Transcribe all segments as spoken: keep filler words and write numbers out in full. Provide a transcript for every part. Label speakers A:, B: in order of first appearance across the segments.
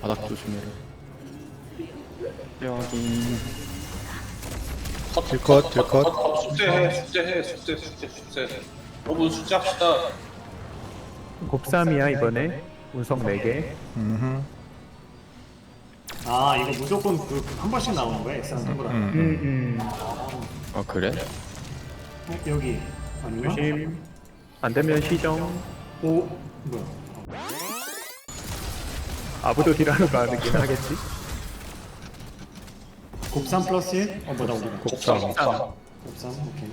A: 바닥 조심해라. 여기
B: 딜컷 딜컷.
C: 숙제해 숙제해 숙제 숙제 숙제 여러분 숙제합시다.
D: 곱삼이야 이번에 운석 네 개.
B: 음흠.
E: 아 이거 무조건 그 한 번씩 나오는 거야 엑스랑 동그라미.
B: 음,
D: 음, 음.
A: 아 그래?
E: 어, 여기 아닌가?
D: 조심. 안 되면 시정.
E: 오 뭐야?
D: 아부도 딜하러 가긴 하겠지.
E: 곱삼 플러스 일? 어 뭐다 우리
B: 곱삼.
C: 곱삼.
E: 곱삼 오케이.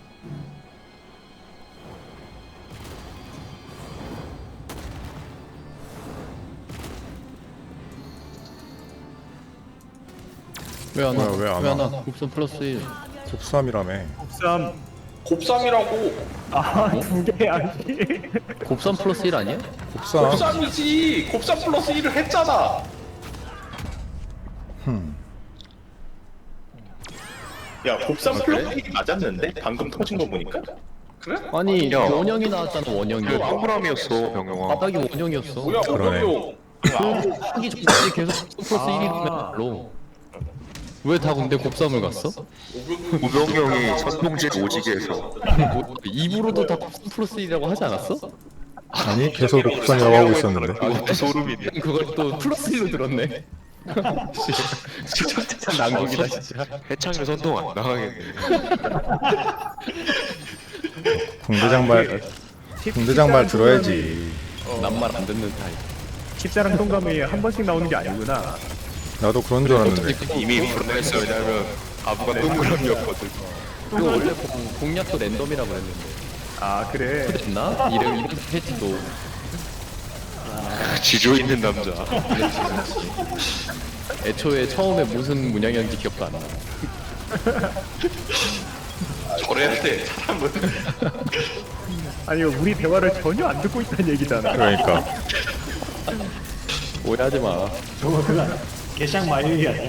A: 왜 안 와?
B: 뭐야, 왜안
A: 왜 안
B: 와?
A: 와? 곱선 플러스 일.
B: 곱삼이라며.
D: 곱삼.
C: 곱삼이라고.
D: 아두 개 아니.
A: 곱선 플러스 일 아니야?
B: 곱삼.
C: 곱삼이지. 곱삼 플러스 일을 했잖아.
B: 흠.
F: 야 곱삼
A: 아, 그래?
F: 플러스 맞았는데? 방금 터진 거 보니까?
C: 그래?
A: 아니
G: 야.
A: 원형이 나왔잖아 원형이.
G: 이거 동그라미였어 병영아.
A: 바닥이 원형이었어.
C: 뭐야
B: 그러네.
C: 오병용.
A: 하기 전까지 계속 곱선 플러스 일이면 별로. 왜 다 근데 곱삼을 갔어?
G: 우병영이 선동질 오지게에서
A: 뭐, 입으로도 다 곱선 플러스 일이라고 하지 않았어?
B: 아니 계속 곱삼이라고 하고 있었는데.
G: 그것도 소름이네.
A: 그걸 또 플러스 일로 들었네. 진짜 난국이다 진짜.
G: 해창이 선동 안 나가겠네.
B: 공대장 말 공대장 말 들어야지.
A: 난 말 안 듣는 타입.
D: 십자랑 동감이 한 번씩 나오는 게 아니구나.
B: 나도 그런 줄 알았는데.
G: 이미 불안했어. 왜냐면 아부가 동그라미였거든.
A: 그거 원래 공, 공략도 랜덤이라고 그랬는데.
D: 아 그래.
A: 됐나? 이름 이름 패치도.
G: 지조 있는 남자.
A: 애초에 처음에 무슨 문양이었는지 기억도 안 나.
C: 저래야 돼 사람은.
D: 아니 우리 대화를 전혀 안 듣고 있다는 얘기잖아.
B: 그러니까.
A: 오해하지 마.
E: 저거 그거 개샹 마일이 아니야?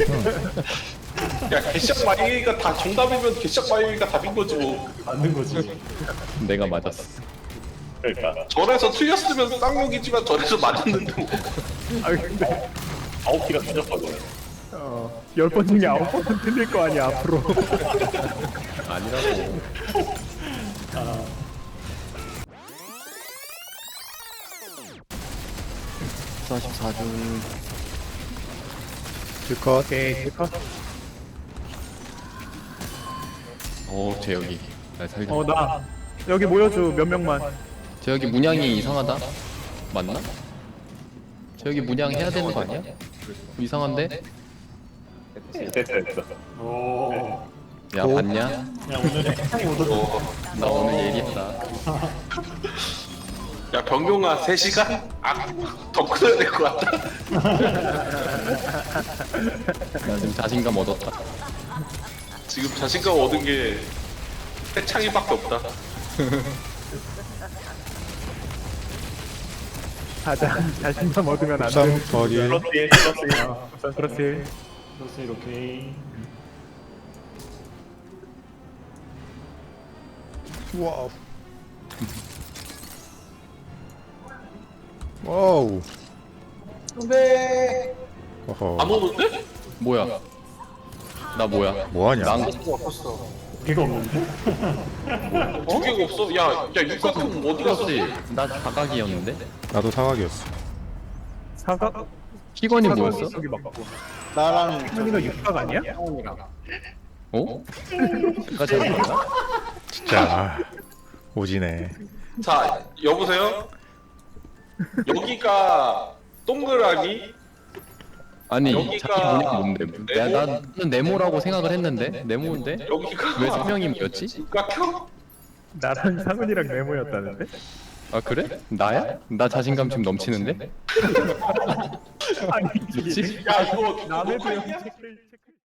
C: 야 개샥 마이가 다 정답이면 개샥 마이가 답인 거지 뭐.
E: 맞는 거지.
A: 내가 맞았어.
F: 그러니까
C: 절에서 틀렸으면 쌍욕이지만 절에서 맞았는데 뭐.
D: 아 근데
F: 아홉 개가 터졌거든.
D: 어, 열 번 중에 아홉 번은 틀릴 거 아니야 앞으로.
A: 아니라고. 사십사 중.
B: 딜컷.
D: 오케이 딜컷.
A: 오 재혁이. 날 살려.
D: 어나 여기 모여줘 몇 명만.
A: 재혁이 문양이 이상하다. 맞나? 재혁이 문양 해야 되는 거 아니야? 이상한데?
F: 됐어 됐어.
E: 오.
A: 야 봤냐?
E: 야 오늘 해창이 오더니
A: 나 오늘 예리했다.
C: 야 병용아 세 시간? 아더 끊어야 될 것 같다.
A: 나 지금 자신감 얻었다.
C: 지금 자신감 얻은 게 해창이밖에 없다.
D: 가자. 자신감 얻으면 안 돼.
B: 곱삼 더딜.
F: 플러스 일 플러스 일.
D: 어, 그렇지.
E: 플러스 일 오케이.
B: 와우. 와우.
C: 근데
B: 어허.
C: 안 오는데?
A: 뭐야? 나 뭐야?
B: 뭐하냐?
A: 난
E: 개가 없는데?
C: 두 개가 없어? 야, 야 육각형 어디 갔어?
A: 플러스 나 다각이었는데?
B: 나도 사각이었어.
D: 사각.
A: 희건이 뭐였어?
D: 여기 맞고.
F: 나랑
D: 현이가 육각 아니야?
A: 어? 내가 잘못했나?
B: 진짜 오지네.
C: 자, 여보세요? 여기가 동그라미?
A: 아니
C: 여기가
A: 자기 문양 뭔데? 내가 나는 네모라고 생각을 했는데 네모인데?
C: 여기가
A: 왜 세 명이 뭐였지?
C: 육각형?
D: 나랑 상은이랑 네모였다는데?
A: 아 그래? 나야? 나 자신감 지금 넘치는데?
D: 아니
A: 뭐지?
C: 야, 이거
D: 남의
C: 녹화했냐?
D: 비용 체크를